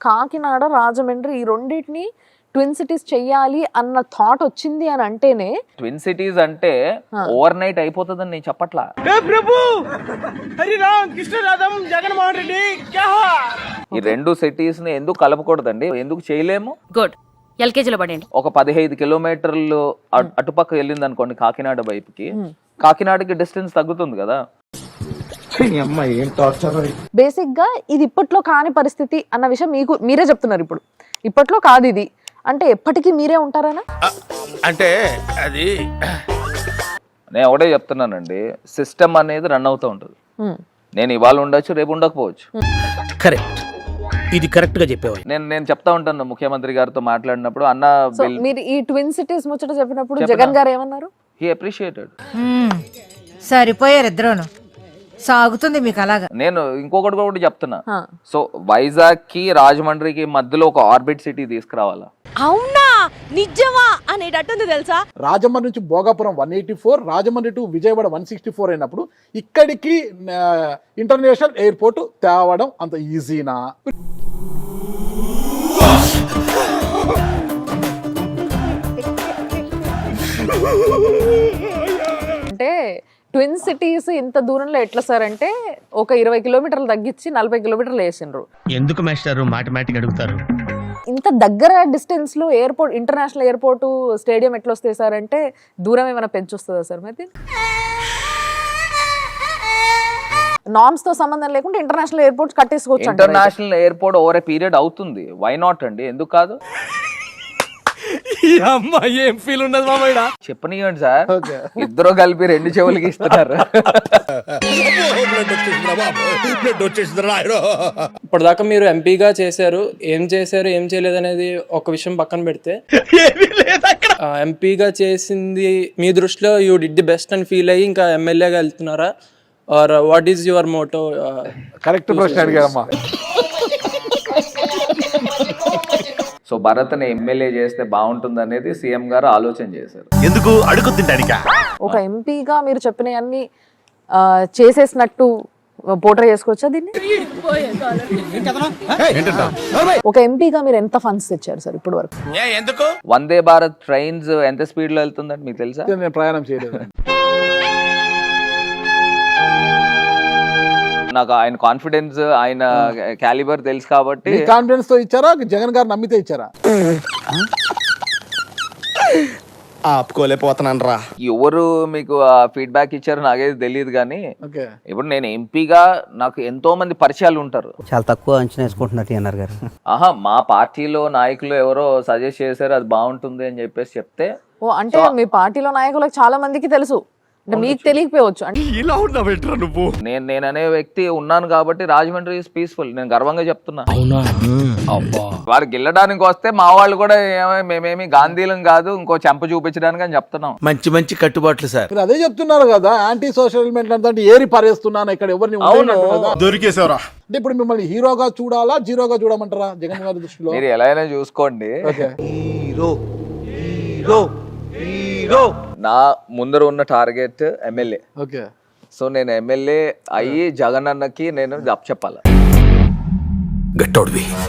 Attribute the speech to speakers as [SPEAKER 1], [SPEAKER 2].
[SPEAKER 1] కాకినాడ, రాజమండ్రి ఈ రెండింటిని twin cities చెయ్యాలి అన్న థాట్ వచ్చింది అని అంటేనే
[SPEAKER 2] ట్విన్ సిటీస్ అంటే ఓవర్ నైట్ అయిపోతుందని నేను చెప్పట్లా. ఈ రెండు సిటీస్ ని ఎందుకు కలపకూడదండి, ఎందుకు చేయలేము?
[SPEAKER 3] గుడ్, ఎల్కేజీలో పడండి.
[SPEAKER 2] ఒక 15 కిలోమీటర్లు అటుపక్క వెళ్ళింది అనుకోండి కాకినాడ వైపుకి, కాకినాడకి డిస్టెన్స్ తగ్గుతుంది కదా.
[SPEAKER 1] బేసిక్ గా ఇది ఇప్పట్లో కాని పరిస్థితి అన్న విషయం మీరే చెప్తున్నారు. ఇప్పుడు ఇప్పట్లో కాదు ఇది అంటే ఎప్పటికీ మీరే ఉంటారనా?
[SPEAKER 4] అంటే అది
[SPEAKER 2] నేను ఒకటే చెప్తున్నానండి, సిస్టమ్ అనేది రన్ అవుతూ ఉంటుంది. నేను ఇవాళ ఉండొచ్చు, రేపు ఉండకపోవచ్చు.
[SPEAKER 4] కరెక్ట్, ఇది కరెక్ట్ గా చెప్పేవా.
[SPEAKER 2] నేను చెప్తా ఉంటాను ముఖ్యమంత్రి గారితో మాట్లాడినప్పుడు, అన్న
[SPEAKER 1] మీరు ఈ ట్విన్ సిటీస్ ముచ్చట చెప్పినప్పుడు జగన్ గారు ఏమన్నారు?
[SPEAKER 2] He appreciated.
[SPEAKER 5] సరిపోయారు ఇద్దరును, సాగుతుంది మీకు అలాగా.
[SPEAKER 2] నేను ఇంకొకటి కూడా చెప్తున్నా, సో వైజాగ్ కి రాజమండ్రికి మధ్యలో ఒక ఆర్బిట్ సిటీ తీసుకురావాలా.
[SPEAKER 3] అవునా, నిజమా అనేటట్టుంది తెలుసా.
[SPEAKER 6] రాజమండ్రి నుంచి భోగాపురం 184, రాజమండ్రి టు విజయవాడ 164 అయినప్పుడు ఇక్కడికి ఇంటర్నేషనల్ ఎయిర్పోర్ట్ తేవడం అంత ఈజీనా?
[SPEAKER 1] అంటే ట్విన్ సిటీస్ ఇంత దూరంలో ఎట్లా సార్ అంటే ఒక 20 కిలోమీటర్లు తగ్గించి 40 కిలోమీటర్లు వేసిండ్రు.
[SPEAKER 4] ఎందుకు మాస్టారు మాటిమాటికి అడుగుతారు?
[SPEAKER 1] ఇంత దగ్గర డిస్టెన్స్ లో ఎయిర్పోర్ట్, ఇంటర్నేషనల్ ఎయిర్పోర్ట్, స్టేడియం ఎట్లా వస్తాయి సార్ అంటే దూరం ఏమైనా పెంచొస్తుందా సార్? మరి నామ్స్ తో సంబంధం లేకుండా ఇంటర్నేషనల్ ఎయిర్పోర్ట్స్ కట్టేసుకోవచ్చు.
[SPEAKER 2] International airport over a period అవుతుంది, వై నాట్ అండి, ఎందుకు కాదు?
[SPEAKER 4] ఏం ఫీల్ ఉండదు మామయ్య.
[SPEAKER 2] చెప్పనివ్వండి సార్, ఇద్దరు కలిపి 2 చెవులకి ఇస్తున్నారు.
[SPEAKER 7] ఇప్పటిదాకా మీరు ఎంపీగా చేశారు, ఏం చేయలేదు అనేది ఒక విషయం పక్కన పెడితే, ఎంపీగా చేసింది మీ దృష్టిలో యూ డిడ్ ది బెస్ట్ అని ఫీల్ అయ్యి ఇంకా ఎమ్మెల్యేగా వెళ్తున్నారా, or what is your motto?
[SPEAKER 6] Correct ప్రశ్న అడిగారమ్మా.
[SPEAKER 2] సో భరత్ని ఎమ్మెల్యే చేస్తే బాగుంటుంది అనేది సీఎం గారు ఆలోచన చేశారు.
[SPEAKER 4] ఎందుకు అడుగుతుంటానిక?
[SPEAKER 1] ఒక ఎంపీగా మీరు చెప్పినవన్నీ చేసేసినట్టు పోర్ట్రే చేసుకోవచ్చా దీన్ని? ఒక ఎంపీగా మీరు ఎంత ఫండ్స్ తెచ్చారు సార్ ఇప్పుడు వరకు?
[SPEAKER 4] ఎందుకు
[SPEAKER 2] వందే భారత్ ట్రైన్స్ ఎంత స్పీడ్ లో వెళ్తుందండి మీకు తెలుసా?
[SPEAKER 6] నేను ప్రయాణం చేయలేదు.
[SPEAKER 2] నాకు ఆయన కాన్ఫిడెన్స్, ఆయన క్యాలిబర్ తెలుసు కాబట్టి.
[SPEAKER 6] కాన్ఫిడెన్స్ తో ఇచ్చారా, జగన్ గారు నమ్మితే ఇచ్చారా?
[SPEAKER 4] ఆపుకోలేకపోతున్నాను రా.
[SPEAKER 2] ఎవరు మీకు ఫీడ్బ్యాక్ ఇచ్చారో నాకేది తెలియదు కానీ,
[SPEAKER 6] ఓకే,
[SPEAKER 2] ఇప్పుడు నేను ఎంపీగా నాకు ఎంతో మంది పరిచయాలు ఉంటారు.
[SPEAKER 8] చాలా తక్కువ అంచనా వేసుకుంటున్నారు అన్నారు గారు.
[SPEAKER 2] మా పార్టీలో నాయకులు ఎవరో సజెస్ట్ చేశారు అది బాగుంటుంది అని చెప్పేసి చెప్తే.
[SPEAKER 1] ఓ అంటే మీ పార్టీలో నాయకులకు చాలా మందికి తెలుసు, అంటే మీకు తెలియకపోవచ్చు. అంటే
[SPEAKER 4] ఇలా ఉన్నావేంట్రా నువ్వు?
[SPEAKER 2] నేను అనే వ్యక్తి ఉన్నాను కాబట్టి రాజమండ్రి ఈజ్ పీస్ఫుల్, నేను గర్వంగా చెప్తున్నా. వారు గెల్లడానికి వస్తే మా వాళ్ళు కూడా మేమేమి గాంధీలం కాదు, ఇంకో చెంప చూపించడానికి అని చెప్తున్నాం.
[SPEAKER 4] మంచి మంచి కట్టుబాట్లు సార్.
[SPEAKER 6] మీరు అదే చెప్తున్నారు కదా, యాంటీ సోషల్ ఎలిమెంట్ అంటే ఏరి పారేస్తున్నాను ఇక్కడ ఎవరిని.
[SPEAKER 4] దొరికేసావురా.
[SPEAKER 6] అంటే ఇప్పుడు మిమ్మల్ని హీరోగా చూడాలా, జీరోగా చూడమంటారా జగన్ గారి దృష్టిలో?
[SPEAKER 2] మీరు ఎలా అయినా చూసుకోండి. నా ముందర ఉన్న టార్గెట్ ఎమ్మెల్యే.
[SPEAKER 6] ఓకే,
[SPEAKER 2] సో నేను ఎమ్మెల్యే అయ్యి జగన్ అన్నకి నేను చెప్పాలి.
[SPEAKER 4] గట్టోడివి.